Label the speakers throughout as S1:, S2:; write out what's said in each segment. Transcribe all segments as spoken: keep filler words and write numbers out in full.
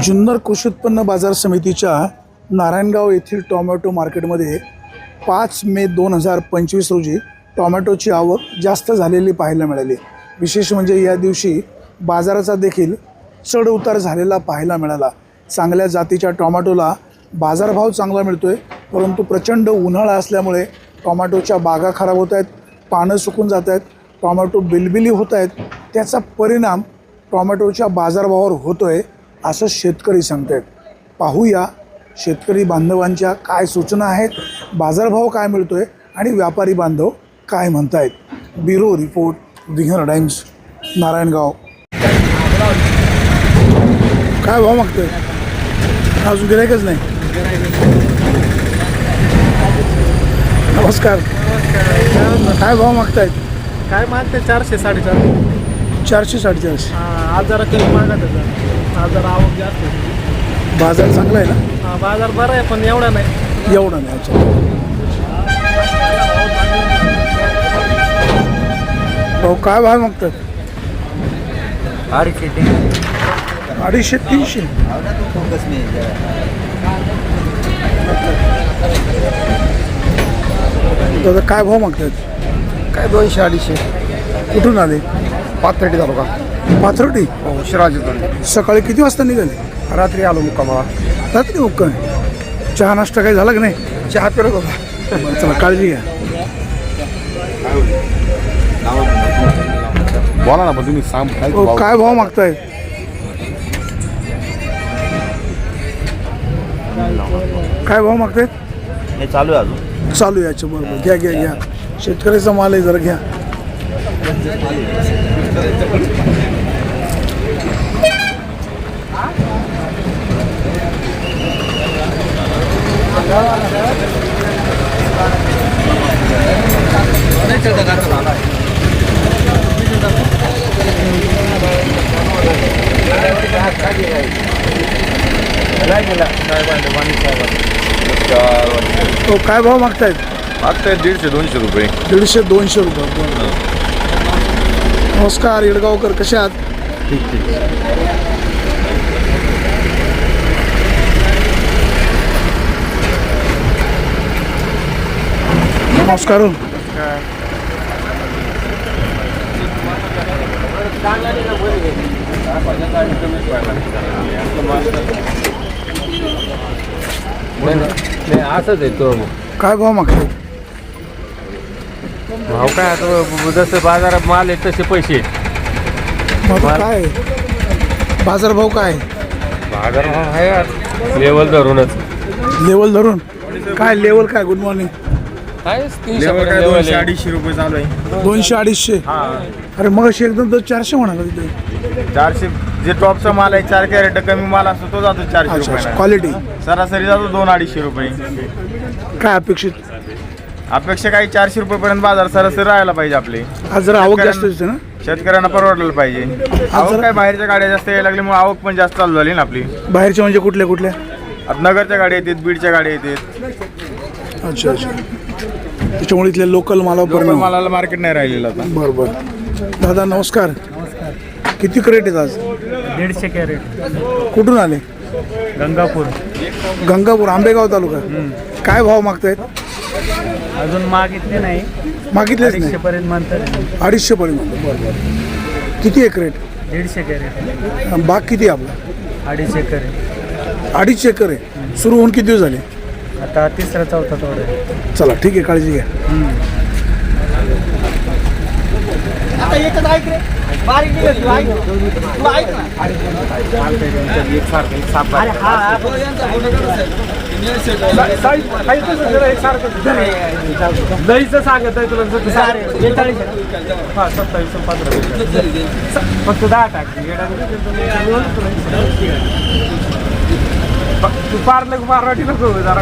S1: जुन्नर कृषी उत्पन्न बाजार समितीच्या नारायणगाव येथील टोमॅटो मार्केटमध्ये पाच मे दोन हजार पंचवीस रोजी टोमॅटोची आवक जास्त झालेली पाहायला मिळाली। विशेष म्हणजे या दिवशी बाजाराचा देखील चढ उतार झालेला पाहायला मिळाला। चांगल्या जातीच्या टोमॅटोला बाजारभाव चांगला मिळतोय, परंतु प्रचंड उन्हाळा असल्यामुळे टोमॅटोच्या बागा खराब होत आहेत, पानं सुकून जात आहेत, टोमॅटो बिलबिली होत आहेत। त्याचा परिणाम टोमॅटोच्या बाजारभावावर होतोय असं शेतकरी सांगतात। पाहूया शेतकरी बांधवांच्या काय सूचना आहेत, बाजारभाव काय मिळतोय आणि व्यापारी बांधव काय म्हणतायत। ब्युरो रिपोर्ट, विघ्नर टाइम्स, नारायणगाव। काय भाव मागतोय? अजून गिरायकच नाही। नमस्कार। काय भाव मागतायत?
S2: काय मागते? चारशे साडेचारशे
S1: चारशे साडेचारशे
S2: आज जरा कमी मागत आहे, आज जरा आवक जास्त आहे।
S1: बाजार चांगला आहे ना?
S2: हा, बाजार बरा आहे पण एवढा नाही
S1: एवढा नाही। अच्छा, भाऊ काय भाव मागतात?
S2: अडीचशे तीनशे
S1: अडीचशे तीनशे दादा काय भाव मागतात?
S2: काय दोनशे अडीचशे।
S1: कुठून आले?
S2: पाथर्डी तालुका,
S1: पाथर्डी।
S2: हो शिराजी।
S1: सकाळी किती वाजता निघाले?
S2: रात्री आलो मुक्कामाला।
S1: रात्री मुक्काम? चहा नाश्ता काही झाला की नाही?
S2: चहा पिरत होता।
S1: बरं, चला काळजी घ्या।
S3: बोला ना, पण तुम्ही सांग काय
S1: हो, काय भाव मागताय? काय भाव मागतायत?
S3: हे चालू आहे अजून?
S1: चालू आहे। अच्छा, बरोबर, घ्या घ्या घ्या। शेतकऱ्याचा माल आहे, जरा घ्या। तो काय भाव मागतायत?
S3: मागताय दीडशे दोनशे रुपये।
S1: दीडशे दोनशे रुपये बरोबर। नमस्कार येडगावकर, कसे आहात?
S3: ठीक ठीक।
S1: नमस्कार।
S2: असंच आहे तो
S1: काय भाव मागतायत?
S2: भाव काय आता जसं बाजारात माल आहे तसे पैसे।
S1: मग आता काय बाजारभाव काय?
S2: बाजार भाव आहे लेवल धरूनच।
S1: लेवल धरून काय? लेवल काय? Good morning.
S2: दोनशे अडीचशे रुपये चालू आहे।
S1: दोनशे अडीचशे? अरे मग अशी एकदम तर चारशे म्हणाला तिथे।
S4: चारशे जे टॉपचा माल आहे, चार कॅरेट कमी माल असतो तो जातो चारशे रुपये।
S1: क्वालिटी
S4: सरासरी जातो दोन अडीचशे रुपये।
S1: काय अपेक्षित?
S4: अपेक्षा काही चारशे रुपयेपर्यंत बाजार सरासरी राहायला पाहिजे आपली।
S1: आज जरा आवक जास्त दिसते ना?
S4: शेतकऱ्यांना परवडलं पाहिजे। आवक काय बाहेरच्या गाड्या जास्त यायला लागल्यामुळे आवक पण जास्त चालू झाली ना आपली।
S1: बाहेरच्या म्हणजे कुठल्या कुठल्या?
S4: आता नगरच्या गाड्या येतात, बीडच्या गाड्या येतात।
S1: अच्छा अच्छा, त्याच्यामुळे इथल्या लोकल मालावर
S4: लोकल
S1: परिणाम।
S4: मालाला मार्केट नाही राहिलेलं आता।
S1: बरोबर। दादा नमस्कार। किती क्रेट आहेत आज?
S2: दीडशे कॅरेट।
S1: कुठून आले?
S2: गंगापूर।
S1: गंगापूर, आंबेगाव तालुका। काय भाव मागतायत?
S2: अजून मागितले नाही,
S1: मागितलेच नाही?
S2: पर्यंत म्हणतात।
S1: अडीचशे पर्यंत। बरोबर। किती आहे क्रेट?
S2: दीडशे कॅरेट।
S1: बाग किती आहे आपला?
S2: अडीचशे कॅरेट।
S1: अडीचशे एकर आहे। सुरू होऊन किती दिवस झाले?
S2: आता तिसरा चौथा थोडा।
S1: चला ठीक आहे, काळजी घ्या।
S2: दहीचं सांगत आहे तुला सत्तावीस पंधरा फक्त दहा टाक। तू पारलं मराठी नको जरा।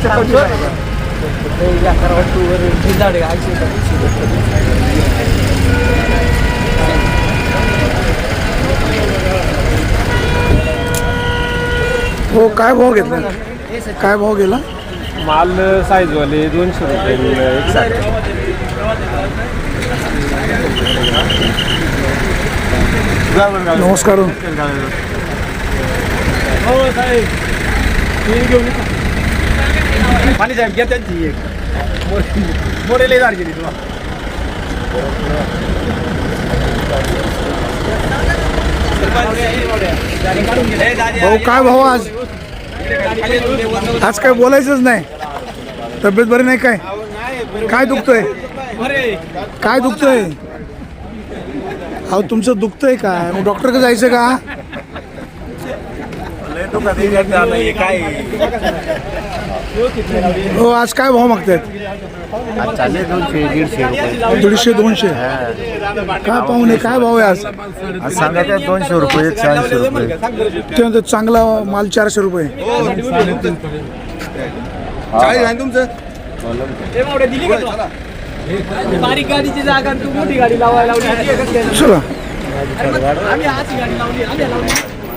S1: हो, काय भाव घेतला? काय भाव गेला?
S2: माल साईजवाले दोनशे रुपये एक सारखे।
S1: नमस्कार।
S2: हो साहेब मी घेऊन येतो. पाणी साहेब घ्या त्यांची एक मोरेले झाड गेली तुला.
S1: भाऊ काय भाऊ आज आज काय बोलायचंच नाही. तब्येत बरी नाही काय काय दुखतंय काय दुखतंय अहो तुमचं दुखतंय काय मग डॉक्टरकडे जायचं का? हो आज काय भाव मागतायत?
S3: चालले दोनशे दीडशे रुपये
S1: दीडशे दोनशे काय पाहुणे काय भाव आहे आज?
S3: आज सांगायचे दोनशे रुपये एकशे ऐंशी रुपये
S1: त्यानंतर चांगला माल चारशे रुपये.
S2: बारीक गाडीची जागा तू मोठी गाडी लावायला लावली.
S1: चला
S2: आम्ही हाची गाडी लावली आम्ही लावली.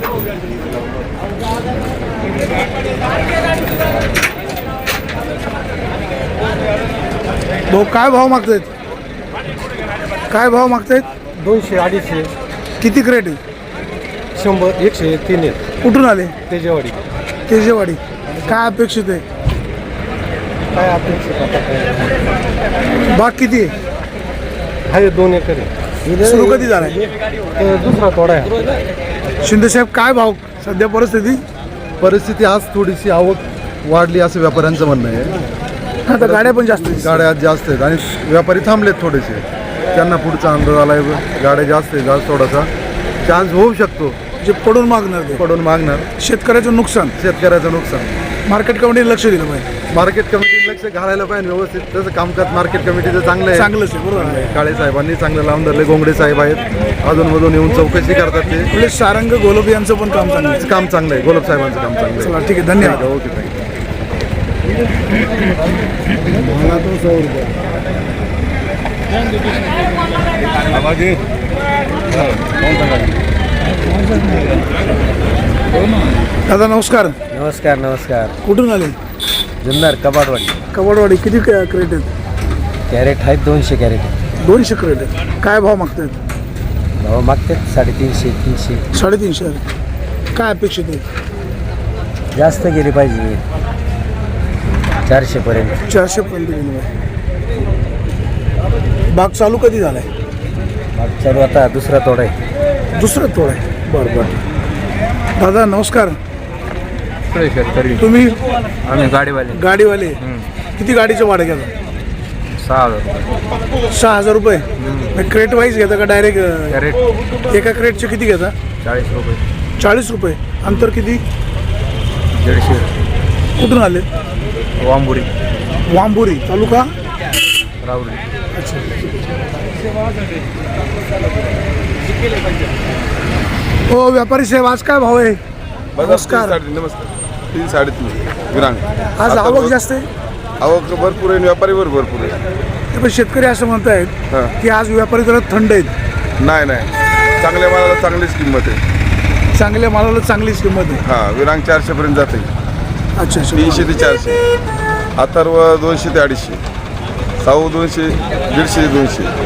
S1: भाऊ काय भाव मागतायत? काय भाव मागतायत?
S5: दोनशे अडीचशे
S1: किती क्रेट आहे?
S5: शंभर एकशे तीन आहेत
S1: कुठून आले?
S5: तेजेवाडी.
S1: तेजेवाडी. काय अपेक्षित आहे?
S5: काय अपेक्षित आता काय
S1: बाग किती आहे?
S5: आहे दोन एकर आहे.
S1: सुरू कधी झालाय?
S5: तर दुसरा तोडा आहे.
S1: शिंदे साहेब काय भाव सध्या परिस्थिती?
S6: परिस्थिती आज थोडीशी आवक वाढली असं व्यापाऱ्यांचं म्हणणं आहे.
S1: आता गाड्या पण जास्त आहेत.
S6: गाड्या आज जास्त आहेत आणि व्यापारी थांबलेत थोडेसे. त्यांना पुढचा अंदाज आला आहे गाड्या जास्त आहेत. आज थोडासा चान्स होऊ शकतो
S1: जे पडून मागणार ते
S6: पडून मागणार.
S1: शेतकऱ्याचं नुकसान
S6: शेतकऱ्याचं नुकसान.
S1: मार्केट कमिटीने लक्ष दिलं पाहिजे.
S6: मार्केट कमिटीने लक्ष घालायला पाहिजे व्यवस्थित. तसं कामकाज मार्केट कमिटीचं चांगलं आहे.
S1: चांगलंच आहे बरोबर आहे.
S6: काळे साहेबांनी चांगलं लावून धरले. गोंगडे साहेब आहेत अधूनमधून येऊन चौकशी करतात. ते
S1: आपले सारंग गोलब यांचं पण काम चांगलं आहे.
S6: काम चांगलं आहे. गोलब साहेबांचं काम चांगलं आहे.
S1: चला ठीक आहे धन्यवाद.
S6: Okay thank you.
S1: दादा नमस्कार.
S5: नमस्कार नमस्कार.
S1: कुठून आले?
S5: जुन्नर कबाडवाडी.
S1: कबाडवाडी. किती क- क्रेट आहेत?
S5: कॅरेट आहेत दोनशे कॅरेट.
S1: दोनशे क्रेट आहेत. काय भाव मागतायत?
S5: भाव मागतात साडेतीनशे तीनशे.
S1: साडेतीनशे आहे. काय अपेक्षित आहे?
S5: जास्त गेली पाहिजे चारशेपर्यंत.
S1: चारशे पर्यंत गेलो आहे. बाग चालू कधी झालाय?
S5: माग चालू आता दुसरा तोडा आहे.
S1: दुसरं तोड आहे. बरं बरं. दादा नमस्कार.
S4: शेतकरी
S1: तुम्ही
S4: आम्ही गाडीवाले
S1: गाडीवाले किती गाडीचं भाडं घेता?
S4: सहा हजार
S1: सहा हजार रुपये. मग क्रेट वाईज घेता का डायरेक्ट?
S4: कॅरेट
S1: एका क्रेटचे किती घेता?
S4: चाळीस रुपये
S1: चाळीस रुपये. अंतर किती?
S4: दीडशे.
S1: कुठून आले?
S4: वांबुरी
S1: वांबुरी तालुका
S4: राहुरी.
S1: अच्छा. हो व्यापारी साहेब आज काय भाव आहे? नमस्कार.
S3: नमस्कार. तीन साडेतीन विरांग.
S1: आज
S3: आता
S1: आवक
S3: बघ-
S1: जास्त आहे.
S3: आवक भरपूर आहे. व्यापारीवर भरपूर आहे.
S1: पण शेतकरी असं म्हणतायत
S3: हां.
S1: की आज व्यापारी जरा थंड आहेत.
S3: नाही नाही चांगल्या मालाला चांगलीच किंमत आहे.
S1: चांगल्या मालाला चांगलीच किंमत आहे.
S3: हां विरांग चारशे पर्यंत जाते.
S1: अच्छा अच्छा.
S3: तीनशे ते चारशे. अथर्व दोनशे ते अडीचशे. साऊ दोनशे दीडशे ते दोनशे.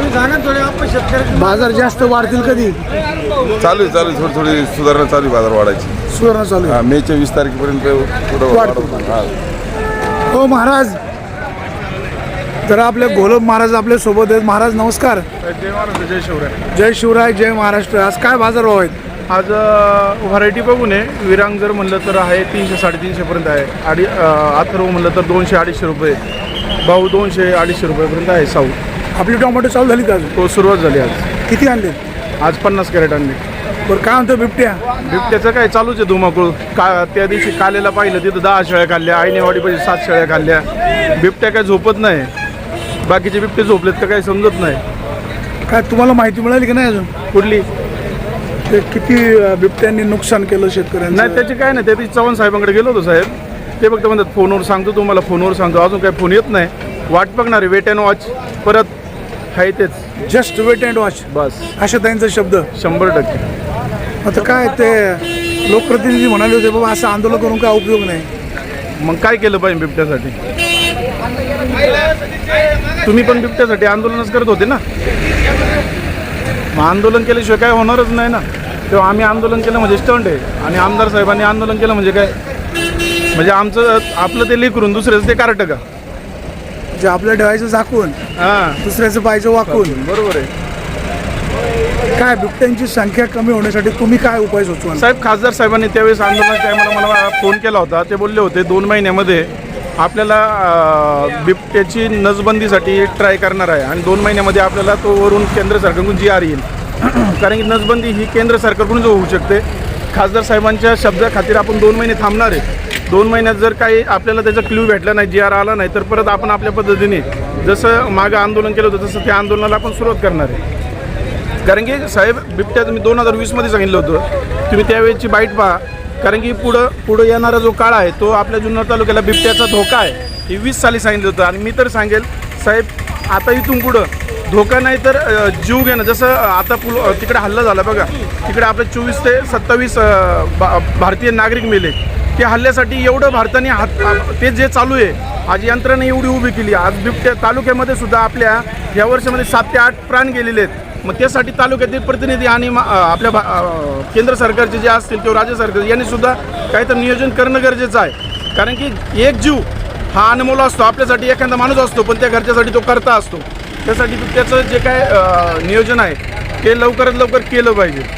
S1: बाजार जास्त वाढतील कधी?
S3: चालू आहे चालू आहे. थोडी थोडी सुधारणा चालू आहे बाजार वाढायची.
S1: सुधारणा चालू आहे.
S3: हां मेच्या वीस तारखेपर्यंत थोडं
S1: वाढतो.
S3: वाढवतो. हां
S1: हो महाराज जरा आपले गोलब महाराज आपल्या सोबत आहेत. महाराज नमस्कार.
S2: जय महाराज जय शिवराय.
S1: जय शिवराय जय महाराष्ट्र. आज काय बाजार भाव आहेत?
S2: आज व्हरायटी बघून आहे. विरांग जर म्हणलं तर आहे तीनशे साडेतीनशेपर्यंत आहे. आडी अथर्व म्हणलं तर दोनशे अडीचशे रुपये. भाऊ दोनशे अडीचशे रुपयेपर्यंत आहे. साऊ
S1: आपली टोमॅटो चालू झाली का अजून?
S2: तो सुरुवात झाली आज.
S1: किती आणले?
S2: आज पन्नास कॅरेट आणली.
S1: बरं काय म्हणतो बिबट्या?
S2: बिबट्याचं काय चालूच आहे धुमाकूळ. का त्या दिवशी कालेला पाहिलं तिथं दहा शेळ्या खाल्ल्या. आईनेवाडीपाशी सात शेळ्या खाल्ल्या. बिबट्या काय झोपत नाही. बाकीचे बिबटे झोपलेत का काही समजत नाही.
S1: काय तुम्हाला माहिती मिळाली की नाही अजून?
S2: कुठली
S1: ते किती अं, बिबट्यांनी नुकसान केलं शेतकऱ्यांचं?
S2: नाही त्याची काय नाही. त्या दिवशी चव्हाण साहेबांकडे गेलो होतो साहेब. ते फक्त म्हणतात फोनवर सांगतो तुम्हाला फोनवर सांगतो. अजून काही फोन येत नाही. वाट बघणार आहे वेट अँड वॉच. परत आहे तेच
S1: जस्ट वेट अँड वॉच
S2: बस
S1: अशा त्यांचा शब्द.
S2: शंभर टक्के.
S1: आता काय ते लोकप्रतिनिधी म्हणाले होते बाबा असं आंदोलन करून काय उपयोग नाही.
S2: मग काय केलं पाहिजे बिबट्यासाठी? तुम्ही पण बिबट्यासाठी आंदोलनच करत होते ना. मग आंदोलन केल्याशिवाय काय होणारच नाही ना. तेव्हा आम्ही आंदोलन केलं म्हणजे स्टंट आहे आणि आमदार साहेबांनी आंदोलन केलं म्हणजे काय म्हणजे आमचं आपलं ते लेकरून दुसऱ्याचं ते कार्ट का
S1: जे आपलं ठेवायचं झाकून
S2: हां
S1: दुसऱ्याचं पाहिजे वाकून.
S2: बरोबर आहे.
S1: काय बिबट्यांची संख्या कमी होण्यासाठी तुम्ही काय उपाय सुचवाल?
S2: साहेब खासदार साहेबांनी त्यावेळेस आंदोलनाच्या टायमाला मला फोन केला होता. ते बोलले होते दोन महिन्यामध्ये आपल्याला अं, बिबट्याची नसबंदीसाठी ट्राय करणार आहे आणि दोन महिन्यामध्ये आपल्याला तो वरून केंद्र सरकारकडून जी आर येईल. कारण की नसबंदी ही केंद्र सरकारकडून होऊ शकते. खासदार साहेबांच्या शब्दाखातीर आपण दोन महिने थांबणार आहे. दोन महिन्यात जर काही आपल्याला त्याचा क्ल्यू भेटला नाही, जी आर आला नाही, तर परत आपण आपल्या पद्धतीने जसं मागं आंदोलन केलं होतं तसं त्या आंदोलनाला आपण सुरुवात करणार आहे. कारण की साहेब बिबट्या तुम्ही दोन हजार वीसमध्ये सांगितलं होतं, तुम्ही त्यावेळेची बाईट पहा. कारण की पुढं पुढं येणारा जो काळ आहे तो आपल्या जुन्नर तालुक्याला बिबट्याचा धोका आहे हे वीस साली सांगितलं होतं. आणि मी तर सांगेल साहेब आता इथून पुढं धोका नाही तर अ, जीव घेणं. जसं आता पुल तिकडे हल्ला झाला बघा, तिकडे आपले चोवीस ते सत्तावीस अ, भा भारतीय नागरिक मेले. त्या हल्ल्यासाठी एवढं भारताने हात ते जे चालू आहे आज यंत्रणा एवढी उभी केली. आज बिबट्या तालुक्यामध्ये सुद्धा आपल्या या वर्षामध्ये सात ते आठ प्राण गेलेले आहेत. मग त्यासाठी तालुक्यातील प्रतिनिधी आणि मा- अ, आपल्या भा अ, केंद्र सरकारचे जे असतील किंवा राज्य सरकार यांनी सुद्धा काहीतरी नियोजन करणं गरजेचं आहे. कारण की एक जीव हा अनमोल असतो. आपल्यासाठी एखादा माणूस असतो पण त्या घरच्यासाठी तो करता असतो. त्यासाठी त्याचं जे काय अ, नियोजन आहे ते लवकरात लवकर केलं पाहिजे.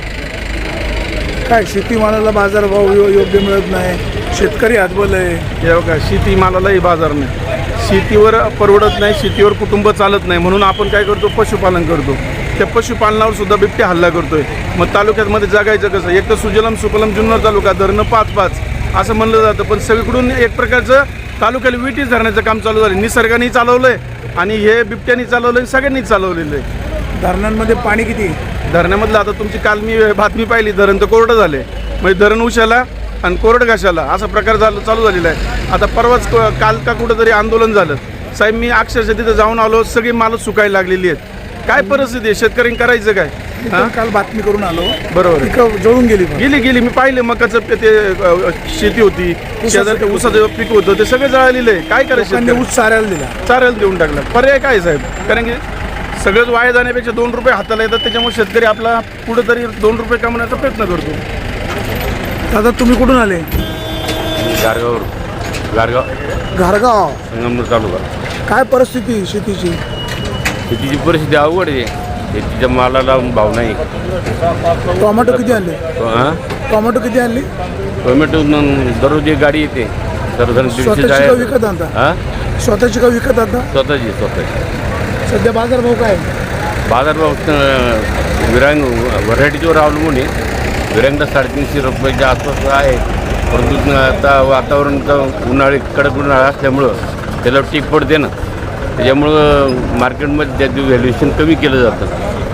S1: काय शेतीमालाला बाजारभाव यो- योग्य मिळत नाही, शेतकरी हातबल आहे.
S2: हे बघा शेतीमालालाही बाजार नाही, शेतीवर परवडत नाही, शेतीवर कुटुंब चालत नाही. म्हणून आपण काय करतो पशुपालन करतो. त्या पशुपालनावर सुद्धा बिबट्या हल्ला करतोय. मग तालुक्यामध्ये जगायचं कसं? एक तर सुजलम सुफलम जुन्नर तालुका, धरणं पाच पाच असं म्हणलं जातं. पण सगळीकडून एक प्रकारचं तालुक्याला विटीच धरण्याचं काम चालू झालं. निसर्गाने चालवलं आहे आणि हे बिबट्यानी चालवलं आहे, सगळ्यांनीच चालवलेलं आहे.
S1: धरणांमध्ये पाणी किती?
S2: धरणामधलं आता तुमची काल मी बातमी पाहिली, धरण तर कोरडं झाले. म्हणजे धरण उशाला आणि कोरडं घाशाला असा प्रकार झाला चालू झालेला आहे. आता परवाच क- काल का कुठंतरी आंदोलन झालं साहेब, मी अक्षरशः तिथं जाऊन आलो, सगळी मालं सुकायला लागलेली आहेत. काय परिस्थिती आहे? शेतकऱ्यांनी करायचं काय?
S1: मी पण काल बातमी करून आलो,
S2: बरोबर आहे.
S1: पिकं जळून गेली. पण
S2: गेली गेली मी पाहिलं मकाचं पे- ते अ, शेती होती, शेजारी ते ऊसाचं पीक होतं, ते सगळं जळालेलं आहे. काय करायचं?
S1: लोकांनी
S2: शेतकरी?
S1: ऊस चाऱ्याला दिला.
S2: चारायला देऊन टाकलं. पर्याय काय साहेब? कारण की सगळंच वाया जाण्यापेक्षा दोन रुपये हाताला येतात, त्याच्यामुळे शेतकरी आपला कुठंतरी दोन रुपये कमवण्याचा प्रयत्न करतो.
S1: दादा तुम्ही कुठून आले?
S7: गारगाव गारगाव
S1: घारगाव.
S7: संगमनेर तालुका.
S1: काय परिस्थिती शेतीची?
S7: शेतीची परिस्थिती अवघड आहे. शेतीच्या मालाला भाव नाही.
S1: टोमॅटो किती आणले?
S7: हां
S1: टोमॅटो किती आणले?
S7: टोमॅटो न- दररोज एक गाडी येते. दररोज दीडशे
S1: स्वतःची का
S7: जाय
S1: विकत आणता?
S7: हां
S1: स्वतःची का विकत आणता?
S7: स्वतःची स्वतःची
S1: सध्या बाजारभाव काय?
S7: बाजारभाव अं, विरांग व्हरायटीवर अवलंबून आहे. विरांगला साडेतीनशे रुपयाच्या आसपास आहे. परंतु आता वातावरण तर उन्हाळी कडक उन्हाळा असल्यामुळं त्याला टीक पडते ना, त्याच्यामुळं मार्केटमध्ये त्याचं व्हॅल्युएशन कमी केलं जातं.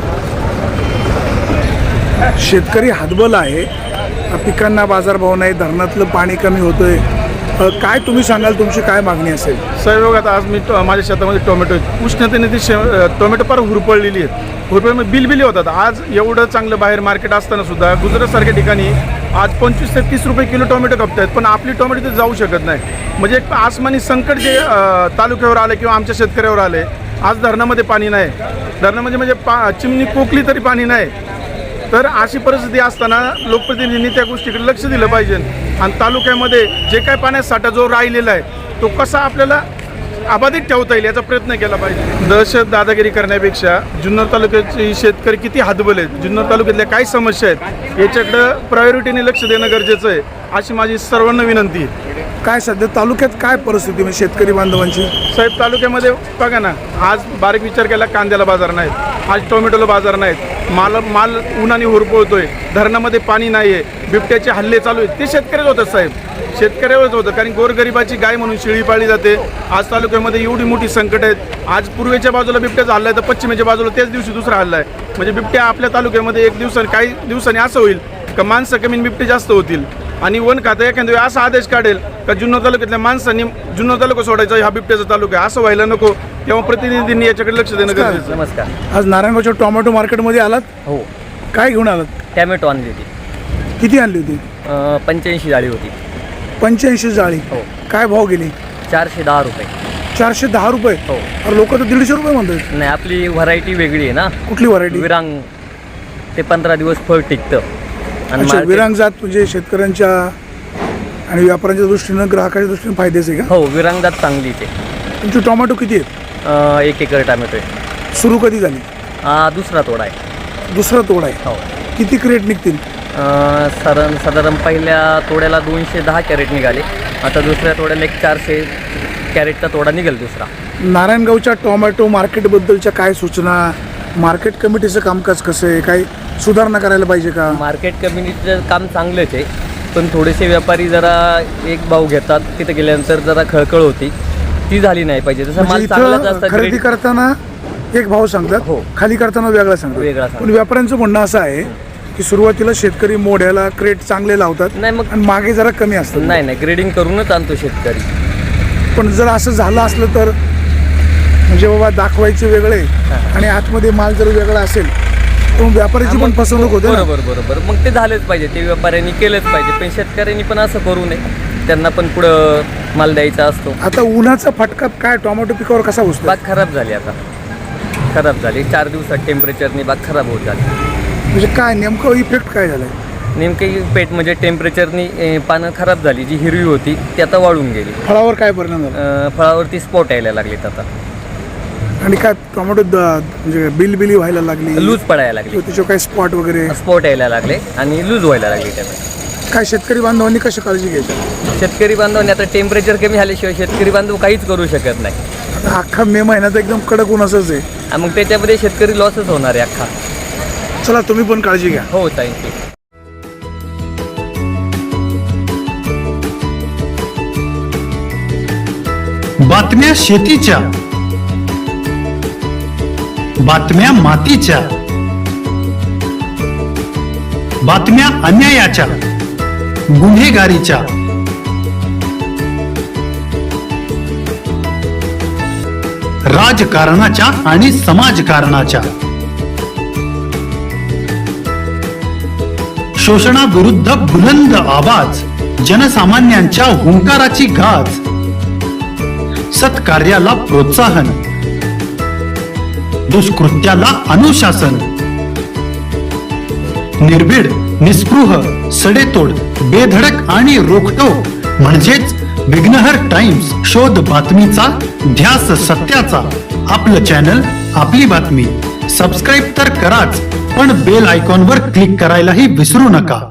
S1: शेतकरी हातबल आहे, पिकांना बाजारभाव नाही, धरणातलं पाणी कमी होतंय. अ, काय तुम्ही सांगाल, तुमची काय मागणी असेल?
S2: साहेब बघा आता आज मी टो- माझ्या शेतामध्ये टोमॅटो आहेत. उष्णतेने ती शे टोमॅटो फार हुरपळलेली आहेत. हुरपळ बिलबिली होतात. आज एवढं चांगलं बाहेर मार्केट असताना सुद्धा गुजरातसारख्या ठिकाणी आज पंचवीस ते तीस रुपये किलो टोमॅटो खपत आहेत, पण आपली टोमॅटो ते जाऊ शकत नाही. म्हणजे एक आसमानी संकट जे अ, तालुक्यावर आले किंवा आमच्या शेतकऱ्यावर आले. आज धरणामध्ये पाणी नाही, धरणामध्ये म्हणजे पा चिमणी कोकली तरी पाणी नाही. तर अशी परिस्थिती असताना लोकप्रतिनिधींनी त्या गोष्टीकडे लक्ष दिलं पाहिजे आणि तालुक्यामध्ये जे काय पाण्याचा साठा जो राहिलेला आहे तो कसा आपल्याला अबाधित ठेवता येईल याचा प्रयत्न केला पाहिजे. दहशत दादागिरी करण्यापेक्षा जुन्नर तालुक्याचे शेतकरी किती हातबल आहेत, जुन्नर तालुक्यातल्या काय समस्या आहेत याच्याकडं प्रायोरिटीने लक्ष देणं गरजेचं आहे, अशी माझी सर्वांना विनंती आहे.
S1: काय सध्या तालुक्यात काय परिस्थिती म्हणजे शेतकरी बांधवांची?
S2: साहेब तालुक्यामध्ये बघा ना, आज बारीक विचार केला कांद्याला बाजार नाहीत, आज टोमॅटोला बाजार नाहीत, माल माल उन्हाने हुरपळतोय, धरणामध्ये पाणी नाही आहे, बिबट्याचे हल्ले चालू आहेत, ते शेतकऱ्याच होतात साहेब, शेतकऱ्यावरच होतं. कारण गोरगरिबाची गाय म्हणून शेळी पाळली जाते. आज तालुक्यामध्ये एवढी मोठी संकट आहेत. आज पूर्वेच्या बाजूला बिबट्याचा हल्ला आहे तर पश्चिमेच्या बाजूला त्याच दिवशी दुसरा हल्ला आहे. म्हणजे बिबट्या आपल्या तालुक्यामध्ये एक दिवसाने काही दिवसांनी असं होईल का माणसं कमी आणि बिबटे जास्त होतील आणि वन खातं एखाद्या वेळी असा आदेश काढेल का जुन्नर तालुक्यातल्या माणसांनी जुन्नर तालुका सोडायचा, हा बिबट्याचा तालुका आहे, असं व्हायला नको. तेव्हा प्रतिनिधींनी याच्याकडे लक्ष देणं गरजेचं आहे.
S5: नमस्कार.
S1: आज नारायणगावच्या टोमॅटो मार्केटमध्ये आलात,
S5: हो,
S1: काय घेऊन आलात?
S5: टॅमॅटो आणली होती.
S1: किती आणली होती?
S5: अं, पंच्याऐंशी जाळी होती.
S1: पंच्याऐंशी जाळी.
S5: हो.
S1: काय भाव गेली?
S5: चारशे दहा रुपये.
S1: चारशे दहा रुपये.
S5: हो.
S1: अरे लोक तर दीडशे रुपये म्हणतात.
S5: नाही, आपली व्हरायटी वेगळी आहे ना.
S1: कुठली व्हरायटी?
S5: विरांग ते पंधरा दिवस फळ टिकतं. आणि
S1: अच्छा,
S5: market-
S1: विरांग जात म्हणजे शेतकऱ्यांच्या आणि व्यापाऱ्यांच्या दृष्टीनं ग्राहकाच्या दृष्टीनं फायद्याचं आहे का?
S5: हो, विरांगजात चांगली ते.
S1: तुमचे टोमॅटो किती आहेत?
S5: अं, एक एकर टोमॅटो आहे.
S1: सुरू कधी झाली?
S5: हा दुसरा तोडा आहे.
S1: दुसरा तोडा आहे.
S5: हो.
S1: किती क्रेट निघतील?
S5: अं, साधारण साधारण पहिल्या तोड्याला दोनशे दहा कॅरेट निघाले. आता दुसऱ्या तोड्याला एक चारशे कॅरेटचा तोडा निघेल दुसरा.
S1: नारायणगावच्या टोमॅटो मार्केटबद्दलच्या काय सूचना? मार्केट कमिटीचं कामकाज कसं आहे? काही सुधारणा करायला पाहिजे का?
S5: मार्केट कम्युनिटीचं काम चांगलंच आहे, पण थोडेसे व्यापारी जरा एक भाव घेतात, तिथे गेल्यानंतर जरा खळखळ होती, ती झाली नाही पाहिजे. जसं
S1: म्हणजे
S5: माल चांगलाच
S1: इथं
S5: असतं,
S1: खरेदी
S5: ग्रेड-
S1: करताना एक भाव सांगतात,
S5: हो.
S1: खाली करताना वेगळा सांगतात.
S5: वेगळा सांगतात.
S1: पण व्यापाऱ्यांचं म्हणणं असं आहे की सुरुवातीला शेतकरी मोढ्याला क्रेट चांगले लावतात
S5: नाही मग
S1: आणि मागे जरा कमी असतात.
S5: नाही नाही ग्रेडिंग करूनच आणतो शेतकरी.
S1: पण जर असं झालं असलं तर म्हणजे बाबा दाखवायचे वेगळे आणि आतमध्ये माल जर वेगळा असेल तर मग व्यापाऱ्याची पण फसवणूक होते ना.
S5: बरोबर बरोबर मग ते झालंच पाहिजे, ते व्यापाऱ्यांनी केलंच पाहिजे, पण शेतकऱ्यांनी पण असं करू नये, त्यांना पण पुढं माल द्यायचा असतो.
S1: आता उन्हाचा फटका काय टोमॅटो पिकावर कसा बसतो?
S5: बाग खराब झाली, आता खराब झाली. चार दिवसात टेम्परेचरनी बाग खराब होत झाली.
S1: म्हणजे काय नेमकं इफेक्ट काय झालाय?
S5: नेमके पेट म्हणजे टेम्परेचरनी ए, पानं खराब झाली, जी हिरवी होती ती आता वाळून गेली.
S1: फळावर काय परिणाम झाला?
S5: अं, फळावरती स्पॉट यायला लागलेत, आता
S1: आणि काय टोमॅटो द- म्हणजे बिल बिली व्हायला लागली,
S5: लूज पडायला लागली,
S1: किंवा त्याच्यावर काय स्पॉट वगैरे
S5: स्पॉट यायला लागले आणि लूज व्हायला लागली त्यात.
S1: काय शेतकरी बांधवांनी कशी काळजी घ्यायची?
S5: शेतकरी बांधवांनी आता टेम्परेचर कमी झाल्याशिवाय शेतकरी बांधव काहीच करू शकत नाही.
S1: आता अख्खा मे महिन्यात एकदम कडक ऊन असंच आहे.
S5: आणि मग त्याच्यामध्ये शेतकरी लॉसच होणार आहे अख्खा.
S1: चला तुम्ही पण काळजी घ्या.
S5: हो थँक्यू.
S8: बातम्या शेतीच्या, बातम्या मातीच्या, बातम्या अन्यायाच्या, गुन्हेगारीच्या, राजकारणाच्या आणि समाजकारणाच्या, शोषणाविरुद्ध बुलंद आवाज, जनसामान्यांच्या हुंकाराची गाज, सत्कार्याला प्रोत्साहन, दुष्कृत्याला अनुशासन, निर्भीड, निस्पृह, सडेतोड, बेधडक आणि रोखटोक म्हणजेच विघ्नहर टाइम्स. शोध बातमीचा, ध्यास सत्याचा. आपलं चॅनल, आपली बातमी. सबस्क्राईब तर कराच, पण बेल आयकॉनवर क्लिक करायलाही विसरू नका.